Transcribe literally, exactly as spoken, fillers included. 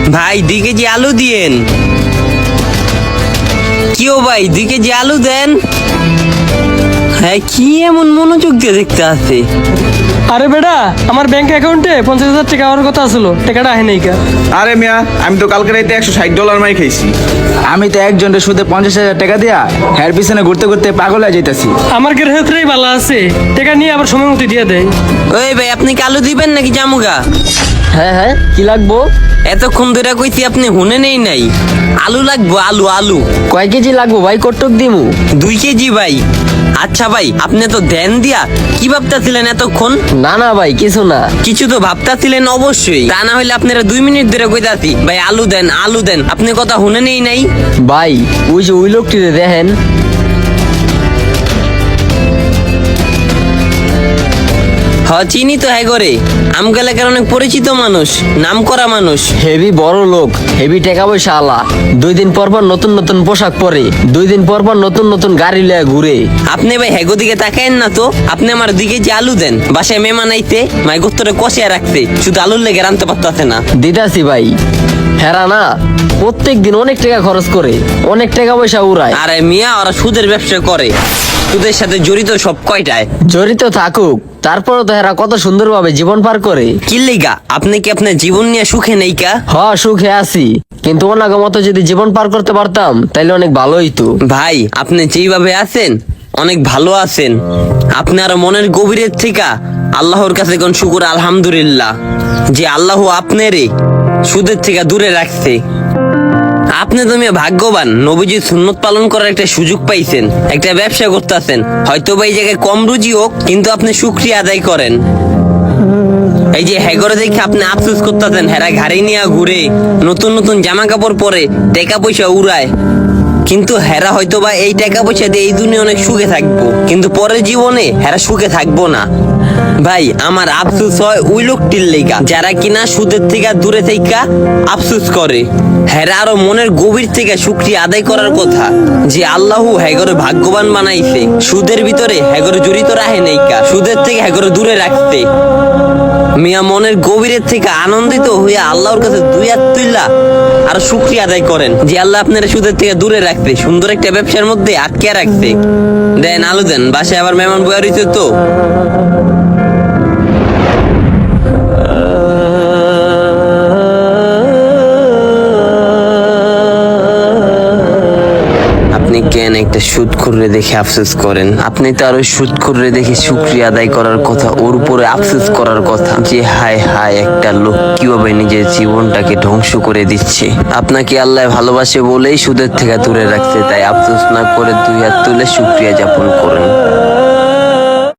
ভাই দুই কেজি আলু দিয়েন। কিও ভাই দুই কেজি আলু দেন। হ্যাঁ কি এমন মনোযোগ দিয়ে দেখতে আছে? আরে বেটা, আমার ব্যাংক অ্যাকাউন্টে পঞ্চাশ হাজার টাকা হওয়ার কথা ছিল, টাকাটা আহে নাই কা। আরে মিয়া, আমি তো কালকে রাইতে একশো ষাট ডলার মাই খাইছি। আমি তো একজনের সুদে পঞ্চাশ হাজার টাকা দিয়া হ্যার পিছনে ঘুরতে ঘুরতে পাগল হয়ে যাইতাছি। আমার গ্রাহকরাই ভালো আছে, টাকা নিয়ে আবার সময় মতো দিয়ে দেয়। ওই ভাই আপনি কি আলু দিবেন নাকি জামুগা? হ্যাঁ হ্যাঁ, কি লাগবো? এতক্ষণ ধরে কইছি আপনি হুনে নেই নাই। আলু লাগবো, আলু আলু। কয় কেজি লাগবো ভাই? কটক দিমু? দুই কেজি ভাই। আচ্ছা ভাই, আপনি তো ধ্যান দিয়া কি ভাবতাছিলেন এতক্ষণ? না না ভাই, কিছু না। কিছু তো ভাবতাছিলেন অবশ্যই, তা না হইলে আপনারা দুই মিনিট ধরে কইতাছি ভাই আলু দেন আলু দেন, আপনি কথা হুনে নেই নাই। ভাই ওই যে ওই লোকটিরে দেখেন। হ চিনি তো, হ্যাঁ করে আমগা এলাকার অনেক পরিচিত মানুষ, নাম করা মানুষ। হেভি বড় লোক, হেভি টাকা পয়সা আলা। দুই দিন পর পর নতুন নতুন পোশাক পরে, দুই দিন পর পর নতুন নতুন গাড়ি লয়ে ঘুরে। আপনি ভাই হেগো দিকে তাকায়েন না তো, আপনি আমার দিকে যে আলু দেন, বাসায় মেহমান আইতে মাই গোত্তরে কষিয়া রাখতে, শুধু আলুর লেগে রানতে পারতাছে না। দিতাছি ভাই। হেরা না প্রত্যেক দিন অনেক টাকা খরচ করে, অনেক টাকা পয়সা উড়ায়। আরে মিয়া, ওরা সুদের ব্যবসা করে, সুদের সাথে জড়িত সব কয়টায়। জড়িত থাকুক, তারপরে তো হেরা কত সুন্দরভাবে জীবন পার করে। কি লেগা আপনি কি আপনার জীবন নিয়ে সুখে নেই কা? হ, সুখে আছি, কিন্তু ওনাকে মতো যদি জীবন পার করতে পারতাম তাইলে অনেক ভালো হইতো। ভাই আপনি যেইভাবে আছেন অনেক ভালো আছেন। আপনার মনের গভীরের থেকে আল্লাহর কাছে কোন শুকুর আলহামদুলিল্লাহ যে আল্লাহ আপনারে সুদের থেকে দূরে রাখছে। আপনি তুমি ভাগ্যবান, নবীজির সুন্নত পালন করার একটা সুযোগ পাইছেন, একটা ব্যবসা করতেছেন। হয়তো বা এই জায়গায় কম রুজি হোক, কিন্তু আপনি শুকরিয়া আদায় করেন। এই যে হেগরে দেখে আপনি আফসোস করতেছেন, হেরা ঘাড়ি নিয়ে ঘুরে, নতুন নতুন জামা কাপড় পরে, টাকা পয়সা উড়ায়, কিন্তু হেরা হয়তো বা এই টাকা পয়সা দিয়ে এই দুনিয়া অনেক সুখে থাকবো, কিন্তু পরের জীবনে হেরা সুখে থাকবো না। ভাই আমার আফসোস হয় ওই লোকটির লেগা যারা কিনা সুদের থেকে দূরে থেকে আফসোস করে। হেরা আরো মনের গভীর থেকে শুকরিয়া আদায় করার কথা যে আল্লাহ হেগরে ভাগ্যবান বানাইছে, সুদের ভিতরে হেগরে জড়িত রাখে নাই কা, সুদের থেকে হেগরে দূরে রাখতে। মিয়া মনের গভীরের থেকে আনন্দিত হইয়া আল্লাহর কাছে দুই হাত তুইলা আর শুকরিয়া আদায় করেন যে আল্লাহ আপনারা সুদের থেকে দূরে রাখতে, সুন্দর একটা ব্যবসার মধ্যে আটকে রাখতে। দেন আলু দেন, বাসায় আবার মেহমান বয়া রইছে তো। আপনি কেন একটা সুদ করে দেখে আফসোস করেন? আপনি তো আর ওই সুদ করে দেখে শুকরিয়া আদায় করার কথা, ওর উপরে আফসোস করার কথা যে হায় হায় একটা লোক কিভাবে নিজের জীবনটাকে ধ্বংস করে দিচ্ছে। আপনাকে আল্লাহ ভালোবাসে বলেই সুদের থেকে দূরে রাখছে, তাই আফসোস না করে দুই হাত তুলে শুকরিয়া যাপন করেন।